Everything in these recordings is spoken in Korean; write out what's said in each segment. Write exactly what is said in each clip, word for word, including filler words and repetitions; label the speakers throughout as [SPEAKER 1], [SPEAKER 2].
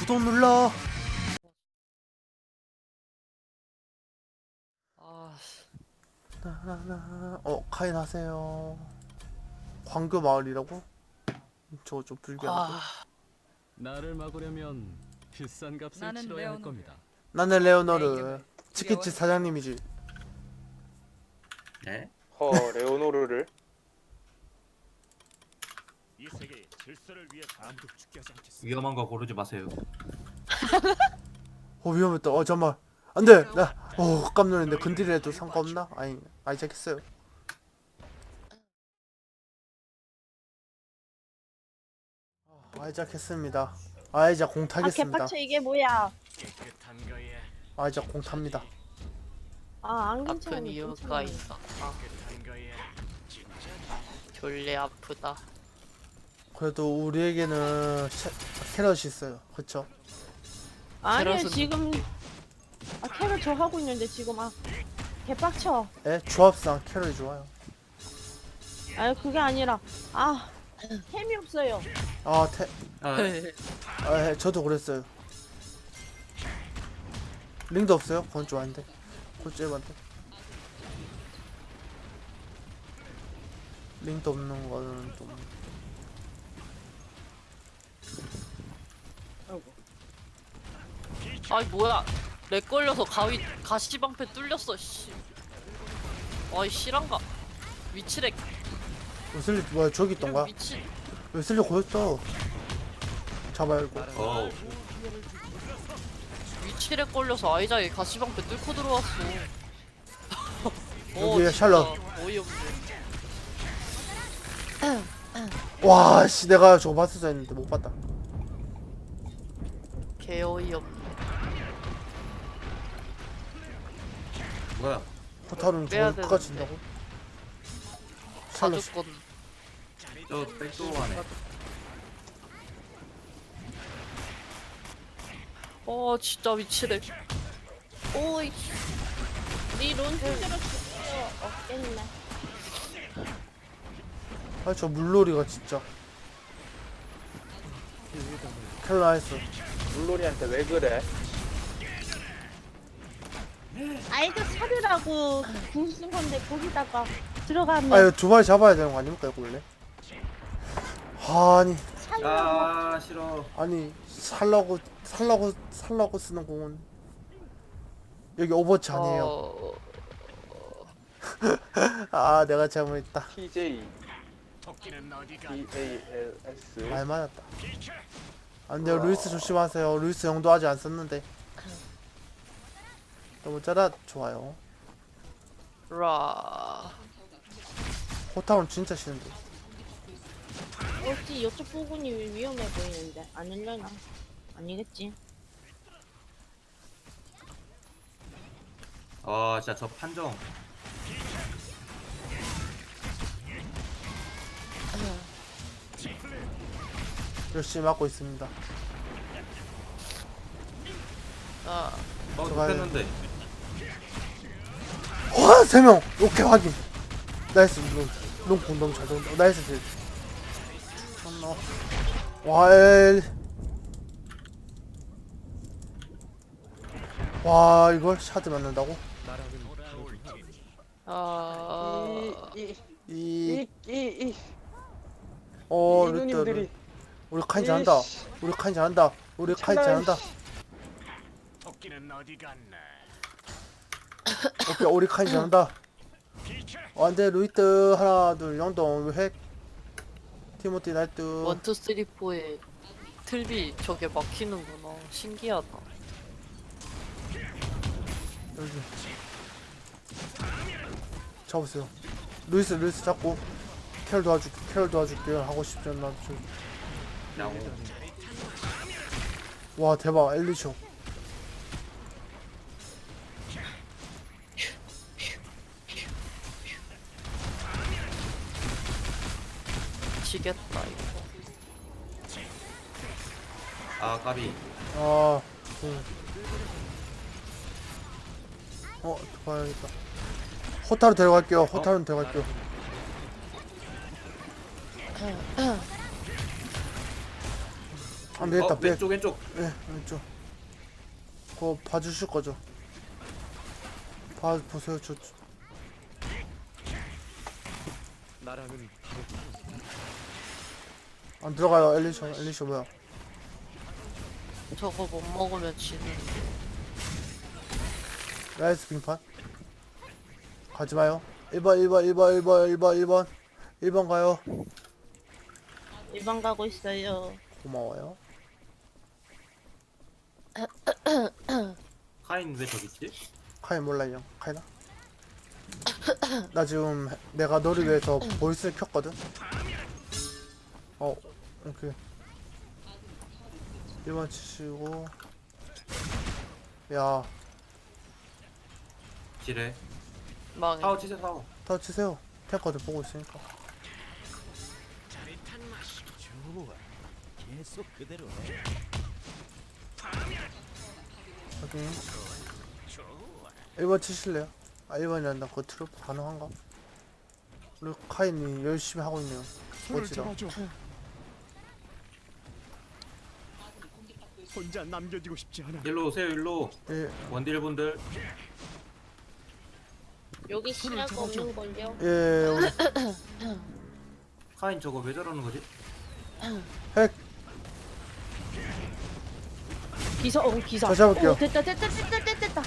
[SPEAKER 1] 구독 눌러.
[SPEAKER 2] 아,
[SPEAKER 1] 나나나. 어, 카인 하세요. 광교 마을이라고? 저거 좀 불교한데.
[SPEAKER 2] 아,
[SPEAKER 3] 나를 막으려면 비싼 값을
[SPEAKER 4] 나는
[SPEAKER 3] 치러야 할
[SPEAKER 4] 레오노르.
[SPEAKER 3] 겁니다.
[SPEAKER 1] 나는
[SPEAKER 4] 내
[SPEAKER 1] 레오노르.
[SPEAKER 4] 이름을
[SPEAKER 1] 치킨집
[SPEAKER 4] 두려워해?
[SPEAKER 1] 사장님이지.
[SPEAKER 5] 네?
[SPEAKER 6] 허 레오노르를
[SPEAKER 7] 이 세계의 질서를 위해 아무도 죽게 하지 않겠어.
[SPEAKER 5] 위험한 거 고르지 마세요.
[SPEAKER 1] 어, 위험했다. 어, 잠만. 안 돼. 나, 어, 깜짝 놀랐는데. 근딜해도 상관없나? 아니, 아니, 시작했어요. 아이작 했습니다. 아이작 공
[SPEAKER 8] 아
[SPEAKER 1] 타겠습니다.
[SPEAKER 8] 개빡쳐 이게 뭐야?
[SPEAKER 7] 깨끗한 거에
[SPEAKER 1] 아이작 공 탑니다.
[SPEAKER 8] 아 안
[SPEAKER 2] 아픈
[SPEAKER 8] 괜찮아.
[SPEAKER 2] 이유가 있어. 아,
[SPEAKER 7] 깨끗한 거에 진짜
[SPEAKER 2] 졸래 아프다.
[SPEAKER 1] 그래도 우리에게는 샤, 캐럿이 있어요. 그쵸?
[SPEAKER 8] 아니요
[SPEAKER 2] 캐럿은-
[SPEAKER 8] 지금 아 캐럿 저 하고 있는데 지금 아 개빡쳐.
[SPEAKER 1] 에? 조합상 캐럿이 좋아요.
[SPEAKER 8] 아 그게 아니라 아 템이 없어요.
[SPEAKER 1] 아, 태,
[SPEAKER 5] 아,
[SPEAKER 1] 아, 예, 저도 그랬어요. 링도 없어요? 그건 좀 아닌데. 그건 좀 에반데. 링도 없는 거는 좀.
[SPEAKER 2] 아이 뭐야? 렉 걸려서 가위 가시방패 뚫렸어. 씨. 아이 실한가? 위치렉.
[SPEAKER 1] 웨슬리, 뭐야, 저기 있던가?
[SPEAKER 2] 미친.
[SPEAKER 1] 웨슬리 고였어. 잡아야 이거.
[SPEAKER 5] 어,
[SPEAKER 2] 위치렉 걸려서 아이작이 가시방패 뚫고 들어왔어.
[SPEAKER 1] 여기에
[SPEAKER 2] 진짜
[SPEAKER 1] 샬럿.
[SPEAKER 2] 어이없네.
[SPEAKER 1] 와, 씨, 내가 저거 봤었어 했는데 못 봤다.
[SPEAKER 2] 개 어이없네.
[SPEAKER 5] 뭐야?
[SPEAKER 1] 포탈은
[SPEAKER 2] 빼야
[SPEAKER 1] 저걸 끝까지
[SPEAKER 2] 되는데.
[SPEAKER 1] 진다고? 샬럿.
[SPEAKER 2] 사주권.
[SPEAKER 5] 저 백도어 안에.
[SPEAKER 2] 어 진짜 위치렉. 오이.
[SPEAKER 8] 니론 실제로 필요 없겠네.
[SPEAKER 1] 아, 저 물놀이가 진짜. 켈라했어.
[SPEAKER 6] 물놀이한테 왜 그래?
[SPEAKER 8] 아이도 사료라고 궁쓴 건데 거기다가 들어가면
[SPEAKER 1] 아, 이거 두 마리 잡아야 되는 거 아닙니까, 이거 원래? 아니,
[SPEAKER 8] 살려고
[SPEAKER 5] 아, 싫어.
[SPEAKER 1] 아니, 살라고, 살라고, 살라고 쓰는 공은. 여기 오버워치 아니에요.
[SPEAKER 2] 어...
[SPEAKER 1] 아, 내가 잘못했다.
[SPEAKER 6] 티제이
[SPEAKER 7] 토끼는 어디 가?
[SPEAKER 6] 티에이엘에스
[SPEAKER 1] 말 맞았다. 안 돼요, 루이스 조심하세요. 루이스 영도 아직 안 썼는데. 너무 짜라, 좋아요.
[SPEAKER 2] 라.
[SPEAKER 1] 호타운 진짜 싫은데.
[SPEAKER 8] 어찌 이쪽 부분이 위험해 보이는데 안 열려나? 아니겠지.
[SPEAKER 5] 아, 진짜 저 판정.
[SPEAKER 1] 열심히 막고 있습니다.
[SPEAKER 2] 아,
[SPEAKER 5] 어,
[SPEAKER 1] 들어가야
[SPEAKER 5] 못했는데.
[SPEAKER 1] 와, 세 명! 오케이, 확인. 나이스, 롱. 롱 공동 잘 돈다. 나이스, 딜. 존나. 와, 엘. 와, 이걸 샤드 맞는다고?
[SPEAKER 2] 아,
[SPEAKER 1] 이,
[SPEAKER 6] 이이이
[SPEAKER 1] 어,
[SPEAKER 6] 이
[SPEAKER 1] 루트.
[SPEAKER 6] 누님들이
[SPEAKER 1] 우리 카인 잘한다.
[SPEAKER 6] 이씨.
[SPEAKER 1] 우리 카인 잘한다. 우리 카인
[SPEAKER 6] 참나,
[SPEAKER 1] 잘한다.
[SPEAKER 7] 토끼는 어디 갔나?
[SPEAKER 1] 오케이, 우리 카인 잘한다. 어, 안돼, 루이트. 하나, 둘, 영동, 핵. 티모티, 나이트.
[SPEAKER 2] 원투 쓰리 포에 틀비 저게 막히는구나. 신기하다.
[SPEAKER 1] 여기. 잡으세요. 루이스, 루이스 잡고. 캐럴 도와줄게, 캐럴 도와줄게. 하고 싶지 않나. 좀.
[SPEAKER 5] 야옹.
[SPEAKER 1] 와, 대박. 엘리쇼.
[SPEAKER 2] 지겠다 이거.
[SPEAKER 5] 아, 까비.
[SPEAKER 1] 아, 음. 어, 봐야겠다. 호타로 데려갈게요. 호타로 데려갈게요. 안 되겠다.
[SPEAKER 5] 어,
[SPEAKER 1] 백.
[SPEAKER 5] 왼쪽 왼쪽.
[SPEAKER 1] 예, 왼쪽. 그거 봐주실 거죠? 봐 보세요. 저
[SPEAKER 3] 나랑은
[SPEAKER 1] 안 들어가요. 엘리셔, 엘리셔 뭐야?
[SPEAKER 2] 저거 못 먹으면 지는.
[SPEAKER 1] 나이스 빙판. 가지 마요. 일 번, 일 번, 일 번, 일 번, 일 번, 일 번. 일 번 가요.
[SPEAKER 8] 일 번 가고 있어요.
[SPEAKER 1] 고마워요.
[SPEAKER 5] 카인 왜 저기 있지?
[SPEAKER 1] 카이 몰라요. 카이나? 나 지금 내가 너를 위해서 보이스를 켰거든. 어, 오케이. 일 번 치시고. 야,
[SPEAKER 5] 지뢰.
[SPEAKER 2] 망해.
[SPEAKER 5] 사오 치세요 사오.
[SPEAKER 1] 더 치세요. 탱커들 보고 있으니까.
[SPEAKER 7] 좋아. 계속 그대로 해.
[SPEAKER 1] 확인. 일 번 치실래요? 아, 일 번이란다. 그거 트루프 가능한가? 우리 카인이 열심히 하고 있네요.
[SPEAKER 7] 손을
[SPEAKER 1] 멋지다.
[SPEAKER 7] 잡아줘. 혼자 남겨지고 싶지 않아.
[SPEAKER 5] 일로 오세요 일로.
[SPEAKER 1] 예,
[SPEAKER 5] 원딜 분들.
[SPEAKER 8] 여기 시야가 없는 걸요.
[SPEAKER 1] 예, 우리
[SPEAKER 5] 카인 저거 왜 저러는 거지?
[SPEAKER 1] 핵.
[SPEAKER 8] 기사, 어 기사.
[SPEAKER 1] 저 잡을게요.
[SPEAKER 8] 오, 됐다, 됐다, 됐다, 됐다, 됐다.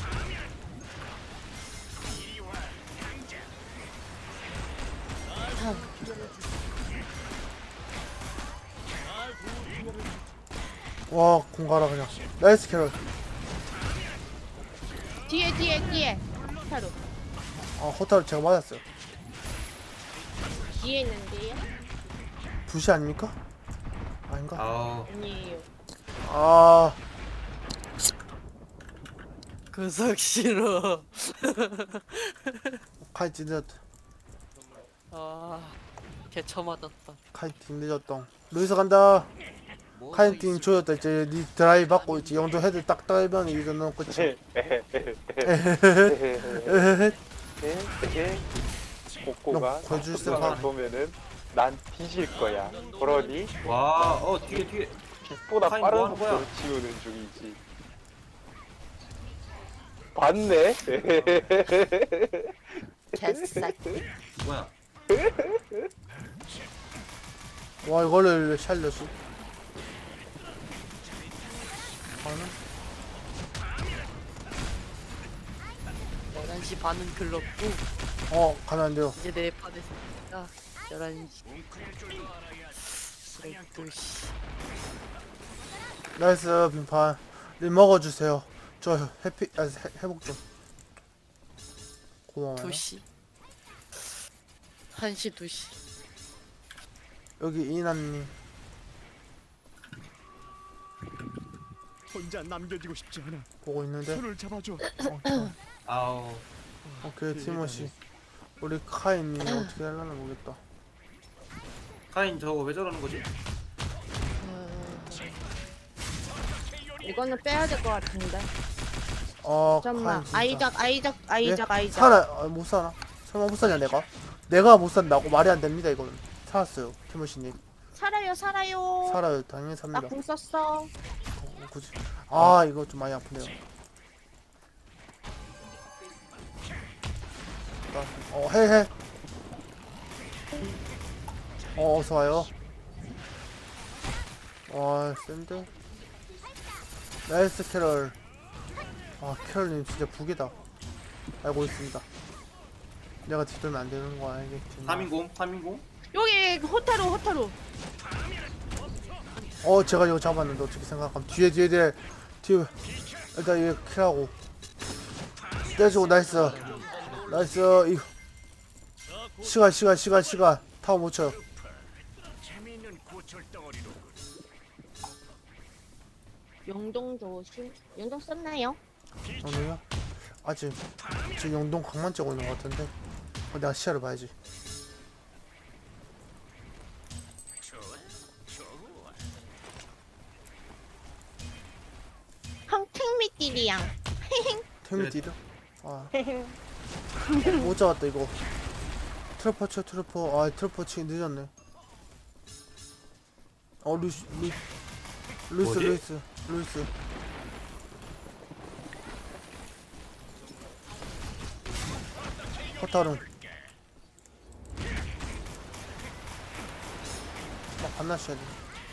[SPEAKER 1] 와, 공가라 그냥. 나이스 캐럴.
[SPEAKER 8] 뒤에, 뒤에, 뒤에. 타로.
[SPEAKER 1] 아, 호타를 제가 맞았어요.
[SPEAKER 8] 뒤에 있는데요?
[SPEAKER 1] 부시 아닙니까? 아닌가?
[SPEAKER 5] 아우
[SPEAKER 8] 아니에요.
[SPEAKER 1] 아,
[SPEAKER 2] 그석 싫어.
[SPEAKER 1] 카이 찐늦었다.
[SPEAKER 2] 아, 개처 맞았다.
[SPEAKER 1] 카이 팀 늦었다. 루이스 간다. 카이 팀 조였다. 이제 니 드라이 받고 이제 영도 헤드 딱 떨면 이거는 끝이. 에헤헤.
[SPEAKER 6] 복고가
[SPEAKER 1] 너 거줄 수
[SPEAKER 6] 만
[SPEAKER 1] 없어.
[SPEAKER 6] 보면은 난 뒤질 거야. 그러니
[SPEAKER 5] 와어 뒤에 뒤에.
[SPEAKER 6] 빛보다
[SPEAKER 5] 카인
[SPEAKER 6] 빠른
[SPEAKER 5] 뭐 하는 거야?
[SPEAKER 6] 속도로 치우는 중이지. 봤네?
[SPEAKER 2] 개새끼.
[SPEAKER 5] 뭐야?
[SPEAKER 1] 와, 이거를 샬럿이. 가는?
[SPEAKER 2] 열한 시 반은 글렀고
[SPEAKER 1] 어, 가면 안 돼요.
[SPEAKER 2] 이제 내 판에 있으니까 열한 시. 열두 시.
[SPEAKER 1] 나이스 빙판. 리 먹어주세요. 저 해피, 아, 해, 회복 좀. 고마워요.
[SPEAKER 2] 두 시. 한 시, 두 시.
[SPEAKER 1] 여기 이난님.
[SPEAKER 7] 혼자 남겨지고 싶지 않아.
[SPEAKER 1] 보고 있는데.
[SPEAKER 7] 손을 잡아줘.
[SPEAKER 1] 어, 어.
[SPEAKER 5] 아우
[SPEAKER 1] 오케이, 티모시. 우리 카인이 어떻게 하려나 모르겠다.
[SPEAKER 5] 카인 저거 왜 저러는 거지?
[SPEAKER 8] 이거는 빼야 될 것 같은데.
[SPEAKER 1] 어,
[SPEAKER 8] 잠깐만.
[SPEAKER 1] 카인 진짜.
[SPEAKER 8] 아이작, 아이작, 아이작,
[SPEAKER 1] 예?
[SPEAKER 8] 아이작.
[SPEAKER 1] 살아, 아, 못 사나? 설마 못 사냐 내가? 내가 못 산다고? 말이 안 됩니다 이거는. 살았어요, 티모시님.
[SPEAKER 8] 살아요, 살아요.
[SPEAKER 1] 살아요, 당연히 삽니다.
[SPEAKER 8] 나 궁 썼어.
[SPEAKER 1] 어, 굳이. 아, 이거 좀 많이 아프네요. 어, 해, 해. 어, 어서 와요. 와, 샌드. 나이스 캐럴. 아, 캐럴님 진짜 북이다. 알고 있습니다. 내가 뒤돌면 안 되는 거 알겠지.
[SPEAKER 5] 삼인공 삼인공.
[SPEAKER 8] 여기 호타루, 호타루.
[SPEAKER 1] 어, 제가 이거 잡았는데 어떻게 생각하면 뒤에 뒤에 뒤에 뒤에 일단 이거 킬하고 떼주고. 나이스 나이스. 이거 시간 시간 시간 시간 타워 못 쳐요.
[SPEAKER 7] 재미있는 고철 덩어리로.
[SPEAKER 8] 영동 조심. 영동 썼나요?
[SPEAKER 1] 영동이요? 아직 지금 영동 강만 째고 있는 것 같은데. 어, 내가 시야를 봐야지.
[SPEAKER 8] 황택미띠리양.
[SPEAKER 1] 테미디드? 아, 못 잡았다 이거. 트루퍼 쳐 트루퍼. 아, 트루퍼 치기 늦었네. 어, 루시 루 루이스
[SPEAKER 5] 뭐지?
[SPEAKER 1] 루이스 루이스. 호타룬. 나 반나셔야 돼.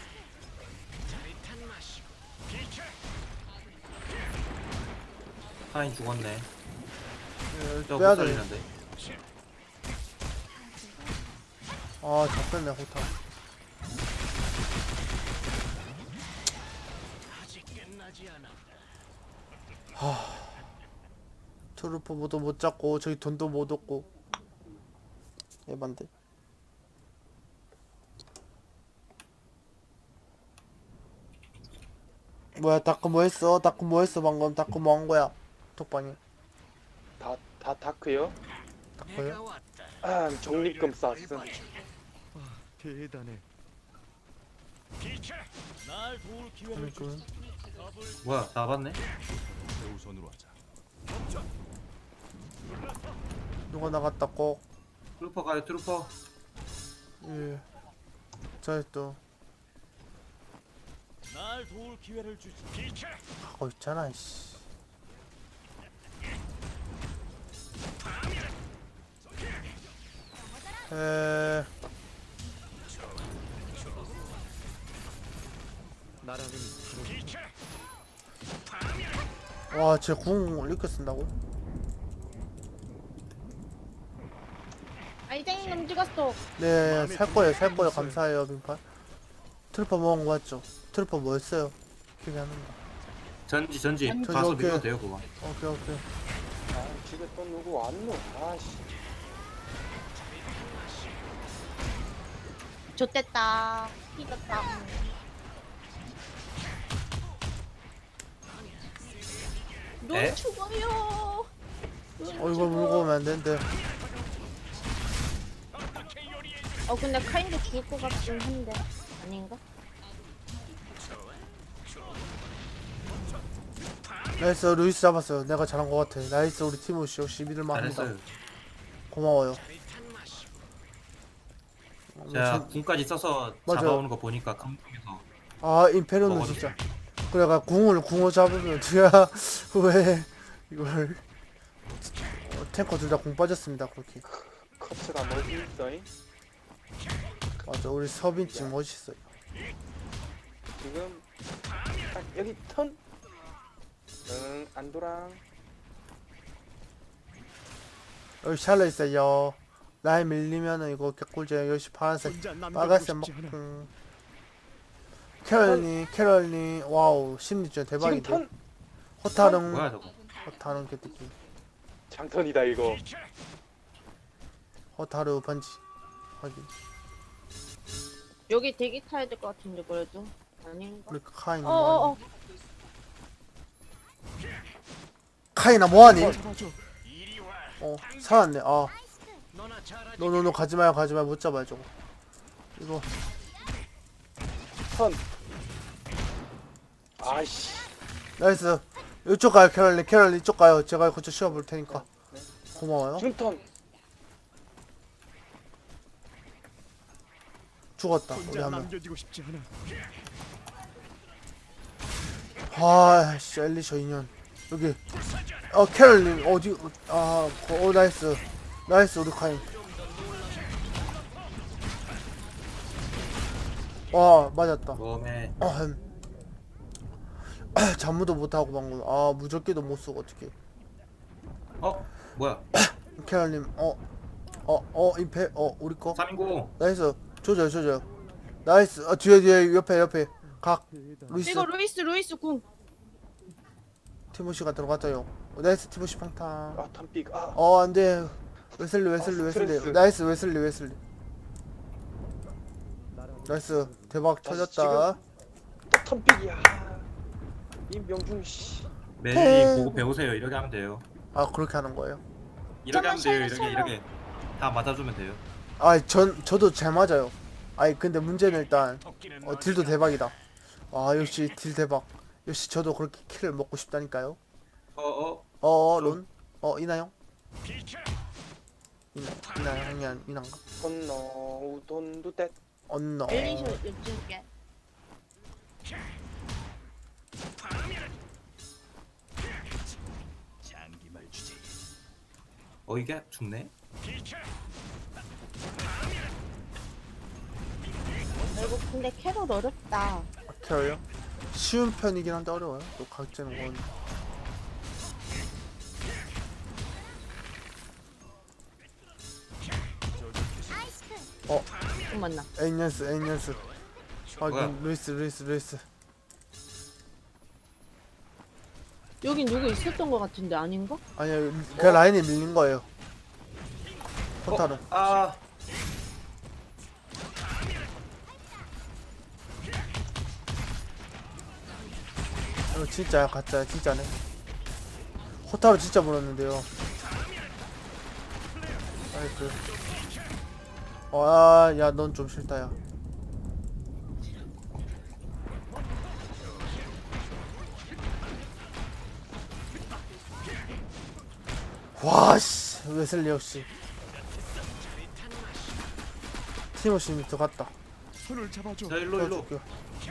[SPEAKER 5] 카인 죽었네.
[SPEAKER 1] 예,
[SPEAKER 5] 저거
[SPEAKER 1] 빼야
[SPEAKER 5] 못
[SPEAKER 1] 돼.
[SPEAKER 5] 살리는데.
[SPEAKER 1] 아 잡혔네 호타. 하. 트루퍼 모두 못 잡고 저기 돈도 못 얻고. 에반데. 뭐야 다크 뭐 했어? 다크 뭐 했어 방금? 다크 뭐 한 거야? 톡방에
[SPEAKER 6] 다, 다 다크요?
[SPEAKER 1] 다크요?
[SPEAKER 6] 아, 적립금 쌌음.
[SPEAKER 3] 대단해.
[SPEAKER 7] 날 도울 기회를 주.
[SPEAKER 1] 그러니까
[SPEAKER 5] 뭐야 다 봤네?
[SPEAKER 7] 우선으로 하자.
[SPEAKER 1] 누가 나갔다 꼭.
[SPEAKER 5] 트루퍼 가요 트루퍼.
[SPEAKER 1] 예. 저또
[SPEAKER 7] 날 도울 기회를 주지. 비켜.
[SPEAKER 1] 하고 있잖아 씨. 에.
[SPEAKER 3] 나라는
[SPEAKER 1] 와, 쟤 궁을 이렇게 쓴다고?
[SPEAKER 8] 아이쟁이 놈 찍었어.
[SPEAKER 1] 네, 살 거예요, 살 거예요. 감사해요, 빈팔. 트루퍼 먹은 거 맞죠? 트루퍼 뭐였어요? 기억이 안 난다.
[SPEAKER 5] 전지 전지.
[SPEAKER 8] 전지.
[SPEAKER 5] 가서
[SPEAKER 1] 오케이.
[SPEAKER 5] 밀어도 돼요 그거.
[SPEAKER 1] 오케이, 오케이.
[SPEAKER 6] 아, 집에 또 누구 왔노? 아씨.
[SPEAKER 8] 좋댔다. 삐졌다. 눈
[SPEAKER 5] 에?
[SPEAKER 8] 죽어요. 눈
[SPEAKER 1] 어, 이거
[SPEAKER 8] 죽어.
[SPEAKER 1] 물고 오면 안 되는데.
[SPEAKER 8] 어 근데 카인도 죽을 것 같긴 한데 아닌가?
[SPEAKER 1] 나이스, 루이스 잡았어요. 내가 잘한 거 같아. 나이스, 우리 티모시 역시 믿을만 합니다.
[SPEAKER 5] 잘했어요.
[SPEAKER 1] 고마워요. 어,
[SPEAKER 5] 제가
[SPEAKER 1] 전-
[SPEAKER 5] 궁까지 써서
[SPEAKER 1] 맞아요.
[SPEAKER 5] 잡아오는 거 보니까 감동해서.
[SPEAKER 1] 아, 임페리온은
[SPEAKER 5] 먹어도
[SPEAKER 1] 진짜. 그래가 궁을 궁을 잡으면 뒤야 왜 이걸 어, 탱커 둘 다 궁 빠졌습니다. 그렇게.
[SPEAKER 6] 커츠가 뭐지 있어잉?
[SPEAKER 1] 맞아, 우리 서빈쯤 멋있어요.
[SPEAKER 6] 지금 딱 여기 턴. 응, 안도랑.
[SPEAKER 1] 여기 샬러 있어요. 라인 밀리면은 이거 개꿀잼. 역시 파란색,
[SPEAKER 3] 혼자 남겨두고
[SPEAKER 1] 빨간색
[SPEAKER 3] 싶지 않아.
[SPEAKER 1] 먹. 캐럴님, 캐럴님, 와우 심리전
[SPEAKER 6] 지금
[SPEAKER 1] 대박인데.
[SPEAKER 6] 턴.
[SPEAKER 1] 호타릉,
[SPEAKER 5] 뭐야 저거.
[SPEAKER 1] 호타릉 개뜨기.
[SPEAKER 6] 장턴이다 이거.
[SPEAKER 1] 호타르 번지. 확인.
[SPEAKER 8] 여기 대기 타야 될 것 같은데 그래도 아닌가?
[SPEAKER 1] 우리 카인
[SPEAKER 8] 어어어.
[SPEAKER 1] 뭐하니? 카이나 뭐하니?
[SPEAKER 3] 잡아줘.
[SPEAKER 1] 어 살았네. 아,
[SPEAKER 7] 너나 잘하지.
[SPEAKER 1] 너너너 가지마요, 가지마요. 못 잡아요 저거. 이거
[SPEAKER 6] 턴. 아이씨.
[SPEAKER 1] 나이스. 이쪽 가요, 캐럴님. 캐럴님 이쪽 가요. 제가 고쳐 씌워볼 테니까. 고마워요.
[SPEAKER 6] 중턴.
[SPEAKER 1] 죽었다. 우리
[SPEAKER 3] 혼자
[SPEAKER 1] 한 명.
[SPEAKER 3] 남겨두고 싶지 않아.
[SPEAKER 1] 아, 씨, 엘리셔 인연. 여기. 어, 캐럴님 어디? 아, 어, 나이스. 나이스 우리 카인. 와, 맞았다.
[SPEAKER 5] 몸에
[SPEAKER 1] 아, 잠무도 못하고 방금. 아, 무적기도 못 쓰고 어떻게?
[SPEAKER 5] 어 뭐야?
[SPEAKER 1] 캐럴님, 어, 어, 어, 임페, 어, 우리 거.
[SPEAKER 5] 삼인공.
[SPEAKER 1] 나이스. 조져요, 조져요. 나이스. 어, 뒤에, 뒤에, 옆에, 옆에. 각. 루이스.
[SPEAKER 8] 이거 루이스 루이스 궁.
[SPEAKER 1] 티모시가 들어갔어요. 어, 나이스, 티모시 팡탕.
[SPEAKER 6] 아, 턴픽. 아.
[SPEAKER 1] 어, 안 돼. 웨슬리, 웨슬리,
[SPEAKER 6] 아,
[SPEAKER 1] 웨슬리.
[SPEAKER 6] 스트레스.
[SPEAKER 1] 나이스, 웨슬리, 웨슬리. 나이스. 대박
[SPEAKER 6] 자,
[SPEAKER 1] 터졌다.
[SPEAKER 6] 또 턴픽이야. 이 명중 씨.
[SPEAKER 5] 메리 보고 배우세요. 이렇게 하면 돼요.
[SPEAKER 1] 아, 그렇게 하는 거예요?
[SPEAKER 5] 이렇게 하면 돼요.
[SPEAKER 8] 샬롯,
[SPEAKER 5] 이렇게 이렇게 다 맞아주면 돼요.
[SPEAKER 1] 아, 전, 저도 잘 맞아요. 아니, 근데 문제는 일단,
[SPEAKER 7] 토끼는
[SPEAKER 1] 어,
[SPEAKER 7] 너니까.
[SPEAKER 1] 딜도 대박이다. 아, 역시 딜 대박. 역시 저도 그렇게 킬을 먹고 싶다니까요.
[SPEAKER 5] 어어
[SPEAKER 1] 어, 론? 어, 이나영?
[SPEAKER 7] 비켜.
[SPEAKER 1] 이나, 이나영, 아니야, 이난가?
[SPEAKER 6] 돈노 돈도 떼.
[SPEAKER 1] 언너.
[SPEAKER 8] 엘리셔 요즘게.
[SPEAKER 7] 장기말 주제.
[SPEAKER 5] 어 이게 죽네?
[SPEAKER 8] 이거 근데 캐럿 어렵다.
[SPEAKER 1] 캐러요? 쉬운 편이긴 한데 어려워요. 또 각제는 건.
[SPEAKER 8] 좀 만나.
[SPEAKER 1] 에이년스 에이년스. 아
[SPEAKER 5] 뭐야?
[SPEAKER 1] 이건 루이스 루이스 루이스.
[SPEAKER 8] 여긴 누구 있었던 것 같은데 아닌가?
[SPEAKER 1] 아니야 그 라인이 밀린 거예요. 포탈은.
[SPEAKER 5] 어? 아
[SPEAKER 1] 이거 진짜야 가짜야 진짜네. 호타로 진짜 물었는데요. 나이스. 아야 넌 좀 싫다야. 와씨 웨슬리 역시 티모시 밑에 갔다.
[SPEAKER 7] 손을 잡아줘.
[SPEAKER 5] 자 일로 일로.
[SPEAKER 1] 도와줄게요.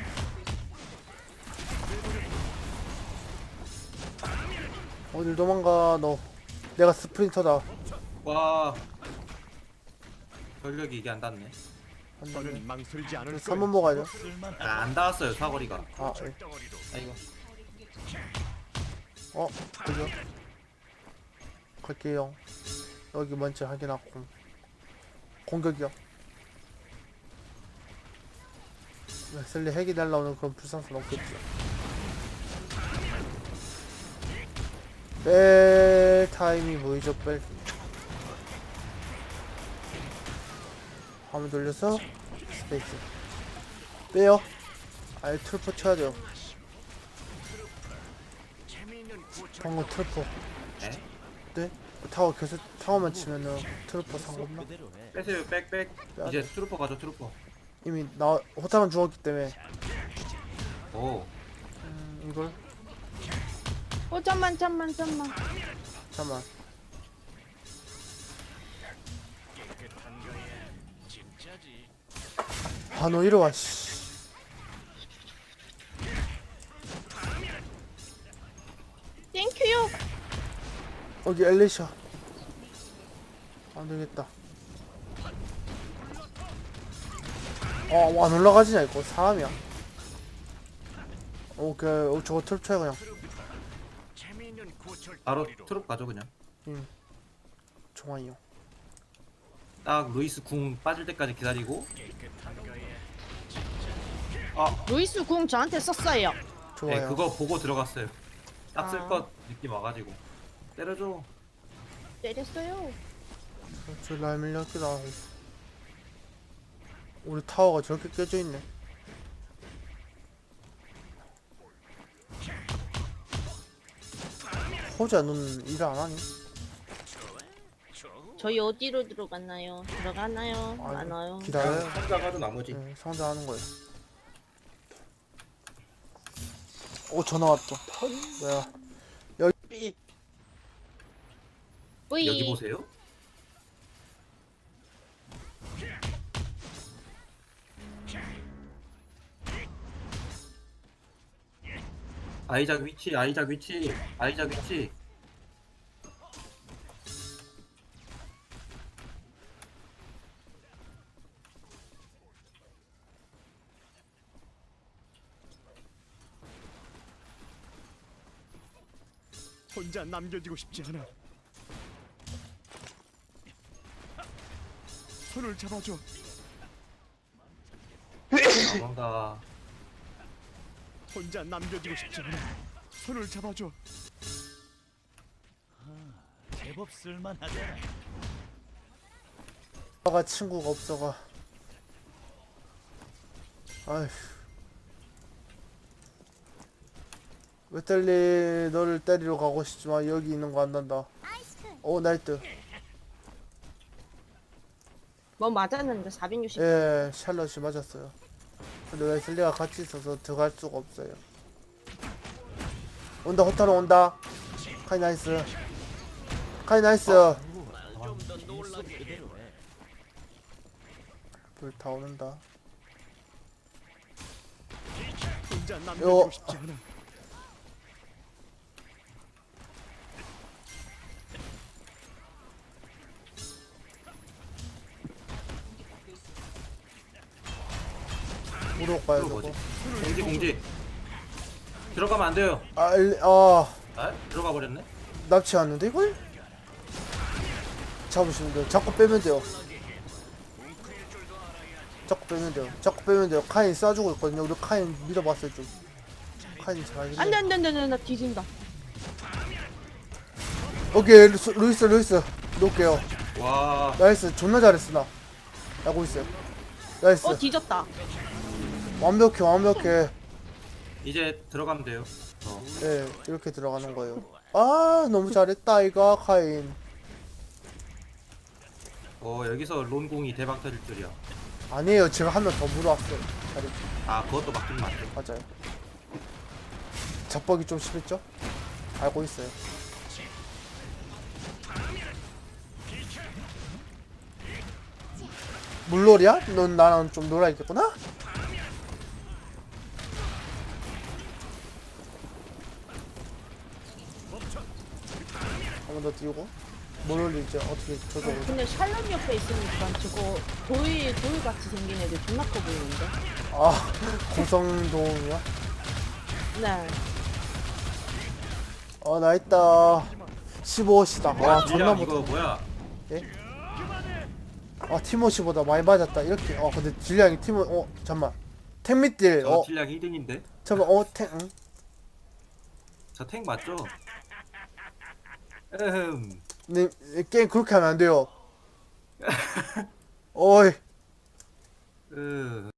[SPEAKER 1] 어딜 도망가 너. 내가 스프린터다.
[SPEAKER 5] 와 전력이 이게 안 닿네.
[SPEAKER 7] 너는 망설이지 않을 거야.
[SPEAKER 1] 삼 번 먹어야 돼.
[SPEAKER 7] 쓸만한
[SPEAKER 5] 아, 안 닿았어요 사거리가.
[SPEAKER 1] 아, 예.
[SPEAKER 7] 덩어리로.
[SPEAKER 5] 아이고.
[SPEAKER 1] 어, 그죠? 갈게요. 여기 먼저 확인하고. 공격이요. 웨슬리 핵이 날라오는 그런 불상사는 없겠죠. 뺄 타임이 보이죠, 뺄. 화면 돌려서 스페이스. 빼요. 아예 트루퍼 쳐야 돼요. 방금 트루퍼.
[SPEAKER 5] 에?
[SPEAKER 1] 네? 타워 계속 타워만 치면은 트루퍼 상관없나?
[SPEAKER 5] 빼세요 빽빽.
[SPEAKER 1] 빼야
[SPEAKER 5] 이제
[SPEAKER 1] 돼.
[SPEAKER 5] 트루퍼 가죠 트루퍼.
[SPEAKER 1] 이미 나 호타만 죽었기 때문에
[SPEAKER 5] 오
[SPEAKER 1] 음, 이걸
[SPEAKER 8] 어 잠만 잠만 잠만.
[SPEAKER 1] 잠만. 아 너 이리 와 씨.
[SPEAKER 8] 땡큐요.
[SPEAKER 1] 여기 엘리샤. 안 되겠다. 어, 안 올라가지냐 이거 사람이야. 오케이, 어, 저거 트럭쳐야 그냥.
[SPEAKER 7] 재미있는 고철
[SPEAKER 5] 바로
[SPEAKER 7] 덩어리로.
[SPEAKER 5] 트루퍼 가죠 그냥.
[SPEAKER 1] 음, 종아이요.
[SPEAKER 5] 딱 루이스 궁 빠질 때까지 기다리고.
[SPEAKER 7] 깨끗한 거야.
[SPEAKER 8] 루이스 궁 저한테 썼어요.
[SPEAKER 1] 좋아요.
[SPEAKER 5] 네 그거 보고 들어갔어요. 딱 쓸
[SPEAKER 8] 아.
[SPEAKER 5] 것 느낌 와가지고. 때려줘.
[SPEAKER 8] 때렸어요.
[SPEAKER 1] 저 라인 밀렸기도 하고. 우리 타워가 저렇게 깨져 있네. 호자, 넌 일 안 하니?
[SPEAKER 8] 저희 어디로 들어갔나요? 들어갔나요?
[SPEAKER 1] 아이고,
[SPEAKER 8] 안 와요.
[SPEAKER 1] 기다려요.
[SPEAKER 5] 상자 가도 나머지.
[SPEAKER 1] 네, 상자하는 거예요. 오, 전화 왔죠. 뭐야?
[SPEAKER 6] 삐.
[SPEAKER 8] 뿌이.
[SPEAKER 5] 여기 보세요. 아이작 위치, 아이작 위치, 아이작 위치.
[SPEAKER 7] 혼자 남겨지고 싶지 않아. 손을 잡아줘.
[SPEAKER 5] 뭔가
[SPEAKER 7] 혼자 남겨지고 싶지 않아. 손을 잡아줘. 제법 쓸만하잖아.
[SPEAKER 1] 아가 친구가 없어가. 아휴. 웨텔리 너를 때리러 가고 싶지만 여기 있는 거 안 난다. 오 나이트.
[SPEAKER 8] 뭐 맞았는데 사백육십.
[SPEAKER 1] 예, 샬럿이 맞았어요. 근데 웨슬리가 같이 있어서 들어갈 수가 없어요. 온다, 호타로 온다. 카이 나이스. 카이 나이스. 불 다 오는다.
[SPEAKER 7] 혼자
[SPEAKER 1] 요.
[SPEAKER 7] 남겨지고 싶지 않아.
[SPEAKER 1] 무로 가야
[SPEAKER 5] 그거
[SPEAKER 1] 되고.
[SPEAKER 5] 뭐지? 공지 공지. 들어가면 안 돼요.
[SPEAKER 1] 아, 일, 아,
[SPEAKER 5] 아 들어가 버렸네.
[SPEAKER 1] 납치 왔는데 이걸? 잡으시면 돼요. 자꾸 빼면 돼요. 자꾸 빼면 돼요. 자꾸 빼면 돼요. 카인 쏴주고 있거든요. 우리 카인 믿어봤어요 좀. 카인 잘하긴
[SPEAKER 8] 안돼
[SPEAKER 1] 해.
[SPEAKER 8] 안돼 안돼 나 뒤진다.
[SPEAKER 1] 오케이 루이스 루이스 루이스 놓을게요.
[SPEAKER 5] 와
[SPEAKER 1] 나이스 존나 잘했어 나. 알고 있어요. 나이스
[SPEAKER 8] 어 뒤졌다.
[SPEAKER 1] 완벽해 완벽해.
[SPEAKER 5] 이제 들어가면 돼요. 어.
[SPEAKER 1] 예 이렇게 들어가는 거예요. 아 너무 잘했다 이거 카인.
[SPEAKER 5] 어 여기서 론공이 대박 터질 줄이야.
[SPEAKER 1] 아니에요 제가 한 명 더 물어왔어요. 잘했.
[SPEAKER 5] 아 그것도 맞긴 맞죠.
[SPEAKER 1] 맞아요. 잡벅이 좀 심했죠? 알고 있어요. 물놀이야? 넌 나랑 좀 놀아야겠구나? 한 번 더 띄우고 물놀이 이제 어떻게 저도
[SPEAKER 8] 어, 근데 샬롯 옆에 있으니까 저거 돌 돌같이 생긴 애들 존나 커 보이는데.
[SPEAKER 1] 아 고성도움이야?
[SPEAKER 8] 네.
[SPEAKER 1] 어 나있다 십오시다 와
[SPEAKER 5] 야,
[SPEAKER 1] 존나
[SPEAKER 5] 딜량 이거
[SPEAKER 1] 못해.
[SPEAKER 5] 뭐야?
[SPEAKER 1] 아 티모시보다 많이 맞았다 이렇게. 어 근데 딜량이 티모 어 잠만 탱밑딜
[SPEAKER 5] 저
[SPEAKER 1] 어
[SPEAKER 5] 딜량 일 등인데?
[SPEAKER 1] 잠깐 어탱 응?
[SPEAKER 5] 저 탱 맞죠? 음.
[SPEAKER 1] 네, 게임 그렇게 하면 안 돼요. 어이
[SPEAKER 5] 으.